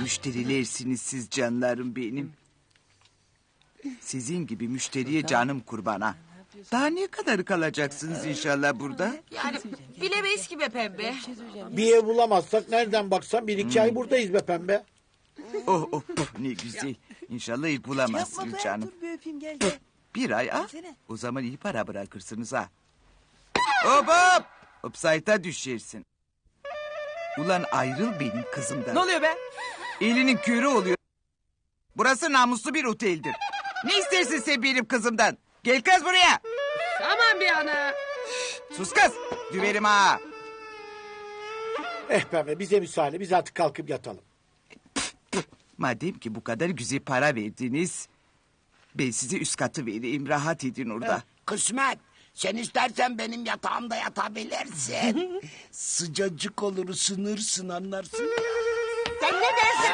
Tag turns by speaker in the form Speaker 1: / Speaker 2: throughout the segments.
Speaker 1: müşterilersiniz siz canlarım benim. Sizin gibi müşteriye canım kurbana. Daha ne kadar kalacaksınız inşallah burada?
Speaker 2: Yani bilemeyiz ki be pembe.
Speaker 3: Bir ev bulamazsak nereden baksan 1-2 ay buradayız be pembe.
Speaker 1: Oh oh ne güzel. İnşallah ilk bulamazsınız canım.
Speaker 4: Dur bir öpeyim gel.
Speaker 1: Bir ay ha? O zaman iyi para bırakırsınız ha. Hop hop. Upside'a düşersin. Ulan ayrıl benim kızımdan.
Speaker 4: Ne oluyor be?
Speaker 1: Elinin körü oluyor. Burası namuslu bir oteldir. Ne istersin sen benim kızımdan? Gel kız buraya.
Speaker 2: Aman bir ana.
Speaker 1: Sus kız. Düverim ha.
Speaker 3: Pembe bize müsaade, biz artık kalkıp yatalım.
Speaker 1: Madem ki bu kadar güzel para verdiniz... ben size üst katı vereyim. Rahat edin orada.
Speaker 5: Kısmet. Sen istersen benim yatağımda yatabilirsin. Sıcacık olur, ısınırsın, anlarsın.
Speaker 2: Sen ne dersin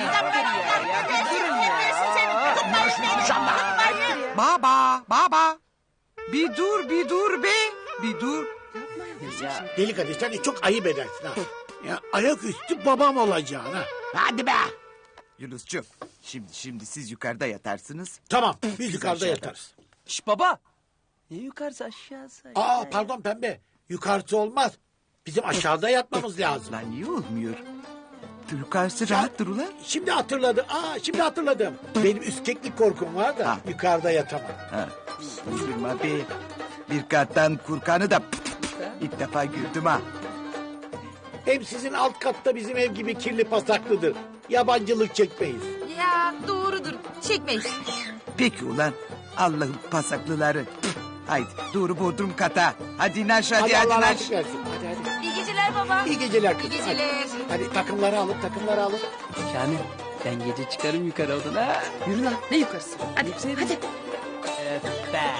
Speaker 2: be?
Speaker 1: Baba. Bir dur be. Bir dur.
Speaker 3: Deli Kadir sen de çok ayıp edersin ha. Ya ayaküstü babam olacaksın ha.
Speaker 5: Hadi be.
Speaker 1: Yunuscuğum. Şimdi siz yukarıda yatarsınız.
Speaker 3: Tamam biz yukarıda yatarız.
Speaker 4: Şş baba. Ne yukarısı aşağısı?
Speaker 3: Pardon pembe. Yukarısı olmaz. Bizim aşağıda yatmamız lazım.
Speaker 1: Lan niye olmuyor? Yukarısı rahattır ulan.
Speaker 3: Şimdi hatırladım. Şimdi hatırladım. Benim üskeklik korkum var da yukarıda yatamam.
Speaker 1: Ha. Üzülme be. Bir kattan kurkanı da ilk defa gördüm ha.
Speaker 3: Hem sizin alt katta bizim ev gibi kirli pasaklıdır. Yabancılık çekmeyiz.
Speaker 2: Ya doğrudur. Çekmeyiz.
Speaker 1: Peki ulan Allah'ın pasaklıları. Haydi doğru bodrum kata. Hadi naş hadi
Speaker 3: Allah
Speaker 1: naş.
Speaker 3: razı versin. Hadi.
Speaker 2: İyi geceler baba.
Speaker 3: İyi geceler kızım.
Speaker 2: İyi geceler.
Speaker 3: Hadi takımları alın.
Speaker 4: Şahane. Ben gece çıkarım yukarı odana. Yürü lan. Ne yukarısı? Hadi. Hadi. Be.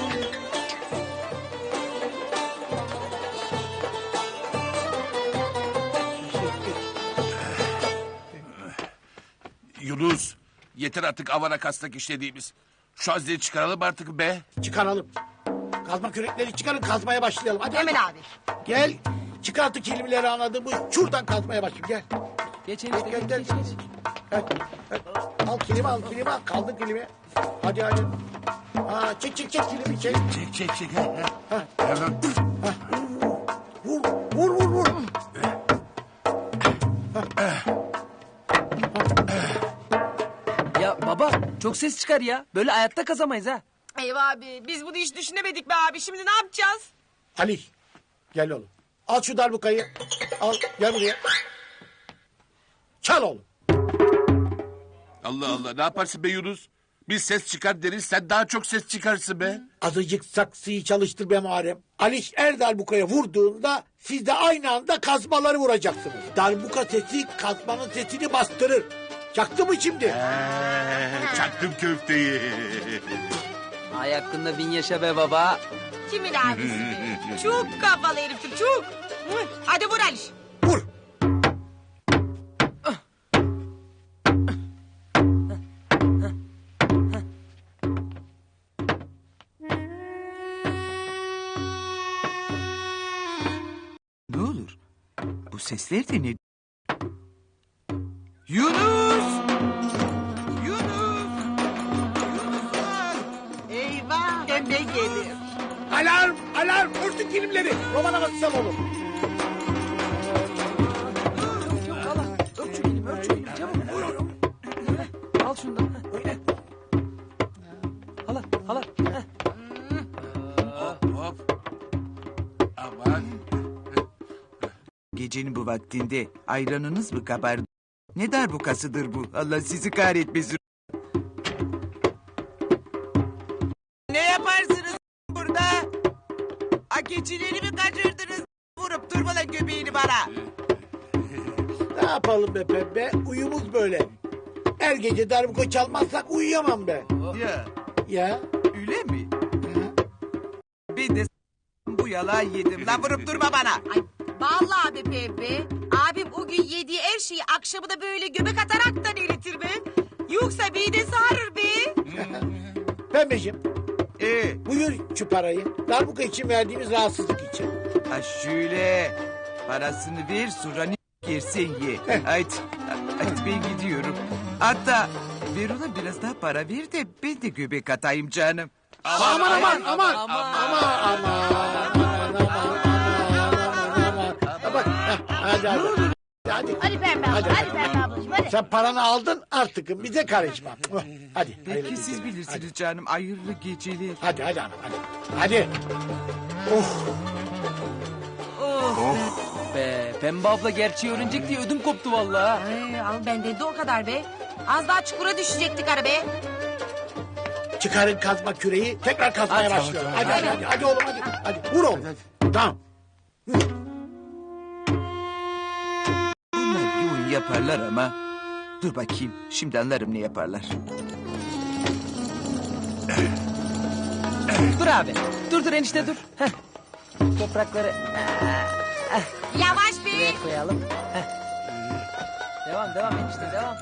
Speaker 6: Yunus, yeter artık avana kastak işlediğimiz. Şu hazneyi çıkaralım artık be.
Speaker 3: Çıkaralım. Kazma kürekleri çıkarın kazmaya başlayalım. Hadi.
Speaker 2: Hemen abi.
Speaker 3: Gel. Çıkartı kelimeleri anladın mı? Şuradan kazmaya başlayalım. Gel.
Speaker 4: Geç enişte
Speaker 3: Gel,
Speaker 4: geç
Speaker 3: gel.
Speaker 4: geç geç.
Speaker 3: Hadi. Al kilimi al. Kaldır kilimi. Hadi. Çek kilimi çek.
Speaker 6: Çek. Hemen.
Speaker 3: Vur.
Speaker 4: Ya baba çok ses çıkar ya. Böyle hayatta kazamayız ha.
Speaker 2: Eyvah abi. Biz bunu hiç düşünemedik be abi. Şimdi ne yapacağız?
Speaker 3: Ali. Gel oğlum. Al şu darbukayı. Al gel buraya. Çal oğlum.
Speaker 6: Allah ne yaparsın be Yunus? Biz ses çıkar deriz, sen daha çok ses çıkarsın be.
Speaker 3: Azıcık saksıyı çalıştır be Muharrem. Aliş darbukaya vurduğunda siz de aynı anda kazmaları vuracaksınız. Darbuka sesi kazmanın sesini bastırır. Çaktı mı şimdi?
Speaker 6: Çaktım köfteyi.
Speaker 4: Ay hakkında bin yaşa be baba.
Speaker 2: Kimin abisi be? Çok kafalı heriftir çok. Hadi vur Aliş.
Speaker 3: Vur.
Speaker 1: Ne olur? Bu sesler de ne? Yunus!
Speaker 2: Eyvah. Pembe gelir.
Speaker 3: Alarm. Vursun kilimleri. Roman havası oğlum.
Speaker 4: Ört şu elimi çabuk. Al şundan. Hala.
Speaker 6: Hop. Aman.
Speaker 1: Gecenin bu vaktinde ayranınız mı kabardı? Ne darbukasıdır bu? Allah sizi kahretmesin. Ne yaparsınız burada? Keçileri mi kaçırdınız? Vurup durma lan göbeğini bana.
Speaker 3: Ne yapalım be pembe? Uyumuz böyle. Her gece darbuka çalmazsak uyuyamam be.
Speaker 1: Ya
Speaker 3: Ya.
Speaker 1: öyle mi? Ben de bu yalağı yedim. Lan vurup durma bana.
Speaker 2: Ay vallahi be pembe. Abim o gün yediği her şeyi akşamı da böyle göbek ataraktan eritir be. Yoksa midesi ağrır be.
Speaker 3: Pembeciğim
Speaker 1: Ee,
Speaker 3: buyur şu parayı. Darbuka için verdiğimiz rahatsızlık için.
Speaker 1: ha şöyle. Parasını ver sonra ne yersen ye. Haydi. Hadi ben gidiyorum. Hatta ver ona biraz daha para ver de ben de göbek atayım canım.
Speaker 3: Aman. Bak, hadi. Hadi.
Speaker 7: Hadi Pembe abla, hadi Pembe ablacığım hadi.
Speaker 3: Sen paranı aldın artık bize karışma. Hadi. hayırlı
Speaker 1: Belki siz
Speaker 3: geceler.
Speaker 1: bilirsiniz canım. Hayırlı geceler.
Speaker 3: Hadi hanım hadi. Hadi.
Speaker 4: Be Pembe abla gerçeği öğrenecek diye ödüm koptu vallahi.
Speaker 2: Ay, al benden de o kadar be. Az daha çukura düşecektik ara be.
Speaker 3: Çıkarın kazma küreği tekrar kazmaya başlıyorum. Hadi oğlum hadi. Hadi vur oğlum. Tamam.
Speaker 1: Bunlar bir oyun yaparlar ama. Dur bakayım. Şimdi anlarım ne yaparlar.
Speaker 4: Dur abi. Dur enişte dur. Heh. Toprakları
Speaker 2: Yavaş be.
Speaker 4: buraya koyalım. Heh. Devam enişte devam.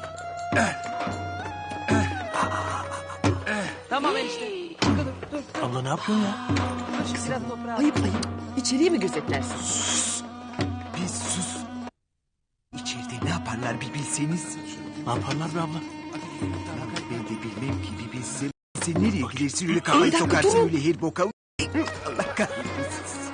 Speaker 4: Tamam enişte. Dur.
Speaker 8: Abla ne yapıyorsun ya?
Speaker 4: Şu biraz toprağı.
Speaker 9: Ayıp. İçeriye mi gözetlersin?
Speaker 1: Bir sus. İçeride ne yaparlar bir bilseniz.
Speaker 8: Ne yaparlar be abla?
Speaker 1: Ben de bilmem ki bir bilsem. Sen nereye gidersin öyle kafayı sokarsın öyle her boka. Allah kahretsin.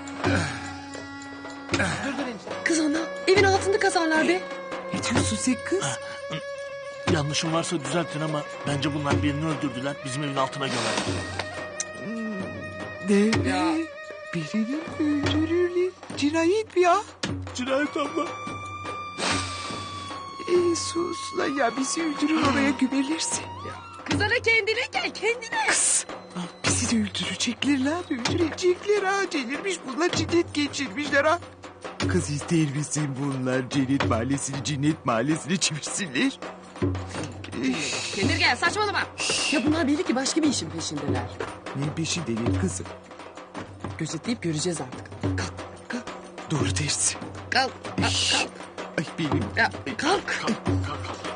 Speaker 4: Dur enişte.
Speaker 9: Kız ana evin altında kazarlar be.
Speaker 1: Ne diyorsun sen kız?
Speaker 8: Yanlışım varsa düzeltin ama bence bunlar birini öldürdüler. Bizim evin altına gömerler.
Speaker 1: Ne? Birini öldürürler. Cinayet mi ya?
Speaker 8: Cinayet abla.
Speaker 1: Sus lan ya bizi öldürür oraya gömerlerse.
Speaker 9: Kız ana kendine gel kendine.
Speaker 1: Kız. Bizi de öldürecekler lan öldürecekler ha. Delirmiş bunlar cinnet geçirmişler ha. Kız ister misin bunlar cennet mahallesini çevirsinler?
Speaker 9: Kendine gel saçmalama. Ya bunlar belli ki başka bir işin peşindeler.
Speaker 1: Ne peşindeler kızım?
Speaker 9: Gözetleyip göreceğiz artık. Kalk.
Speaker 1: Doğru dersin.
Speaker 9: Kalk.
Speaker 1: Ay benim.
Speaker 9: Ya, kalk.
Speaker 8: Kalk.